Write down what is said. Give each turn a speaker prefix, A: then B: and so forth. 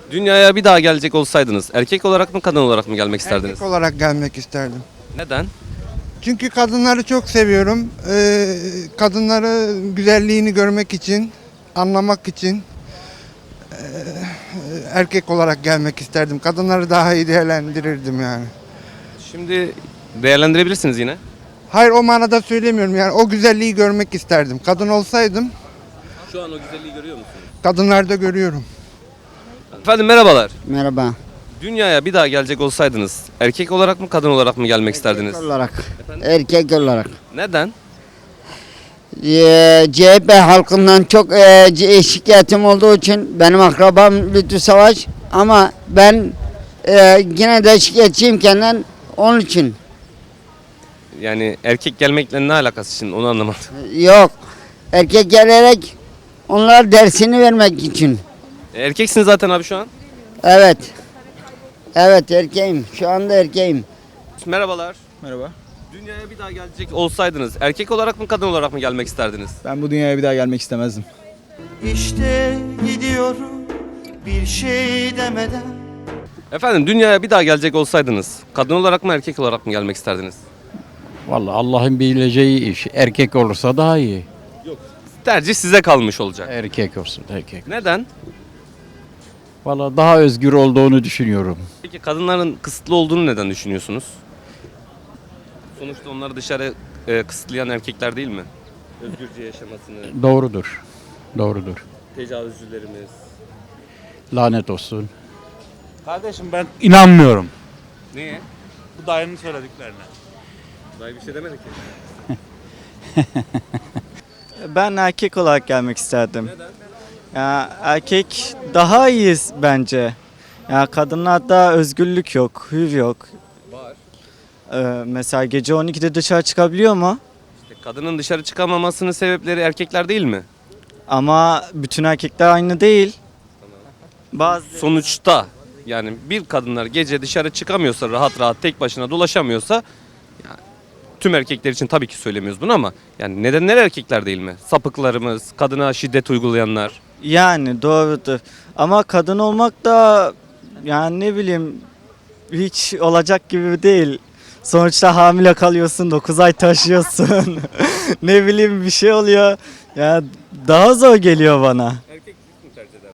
A: Dünyaya bir daha gelecek olsaydınız erkek olarak mı kadın olarak mı gelmek isterdiniz?
B: Erkek olarak gelmek isterdim.
A: Neden?
B: Çünkü kadınları çok seviyorum. Kadınları güzelliğini görmek için, anlamak için erkek olarak gelmek isterdim. Kadınları daha iyi değerlendirirdim yani.
A: Şimdi değerlendirebilirsiniz yine.
B: Hayır, o manada söylemiyorum yani, o güzelliği görmek isterdim. Kadın olsaydım
A: Şu an o güzelliği görüyor musunuz?
B: kadınlarda görüyorum.
A: Efendim merhabalar.
C: Merhaba.
A: Dünyaya bir daha gelecek olsaydınız erkek olarak mı kadın olarak mı gelmek isterdiniz?
C: Erkek olarak. Erkek olarak.
A: Neden?
C: CHP halkından çok şikayetim olduğu için benim akrabam Lütfü Savaş ama ben yine de şikayetçiyim kendinden onun için.
A: Yani erkek gelmekle ne alakası şimdi onu anlamadım.
C: Yok. Erkek gelerek onlar dersini vermek için.
A: Erkeksin zaten abi şu an.
C: Evet. Evet erkeğim. Şu anda erkeğim.
A: Merhabalar.
D: Merhaba.
A: Dünyaya bir daha gelecek olsaydınız erkek olarak mı kadın olarak mı gelmek isterdiniz?
D: Ben bu dünyaya bir daha gelmek istemezdim.
E: İşte gidiyorum bir şey demeden.
A: Efendim dünyaya bir daha gelecek olsaydınız kadın olarak mı erkek olarak mı gelmek isterdiniz?
F: Vallahi Allah'ın bileceği iş. Erkek olursa daha iyi.
A: Tercih size kalmış olacak.
F: Erkek olsun, erkek.
A: Neden?
F: Vallahi daha özgür olduğunu düşünüyorum.
A: Peki kadınların kısıtlı olduğunu neden düşünüyorsunuz? Sonuçta onları dışarı kısıtlayan erkekler değil mi? Özgürce yaşamasını,
F: Doğrudur. Doğrudur.
A: tecavüzcülerimiz.
F: Lanet olsun.
G: Kardeşim ben inanmıyorum
A: Niye?
G: bu dayının söylediklerine.
A: Dayı bir şey demedi ki.
H: Ben erkek olarak gelmek isterdim. Ya erkek daha iyiyiz bence. Ya kadınlarda özgürlük yok, hür yok.
A: Var.
H: Mesela gece 12'de dışarı çıkabiliyor mu?
A: İşte kadının dışarı çıkamamasının sebepleri erkekler değil mi?
H: Ama bütün erkekler aynı değil. Bazı
A: Sonuçta yani bir kadınlar gece dışarı çıkamıyorsa rahat rahat tek başına dolaşamıyorsa ya, tüm erkekler için tabii ki söylemiyoruz bunu ama yani nedenler erkekler değil mi? Sapıklarımız, kadına şiddet uygulayanlar.
H: yani doğrudur. Ama kadın olmak da yani ne bileyim hiç olacak gibi değil. Sonuçta hamile kalıyorsun, 9 ay taşıyorsun. Ne bileyim bir şey oluyor. Ya daha zor geliyor bana.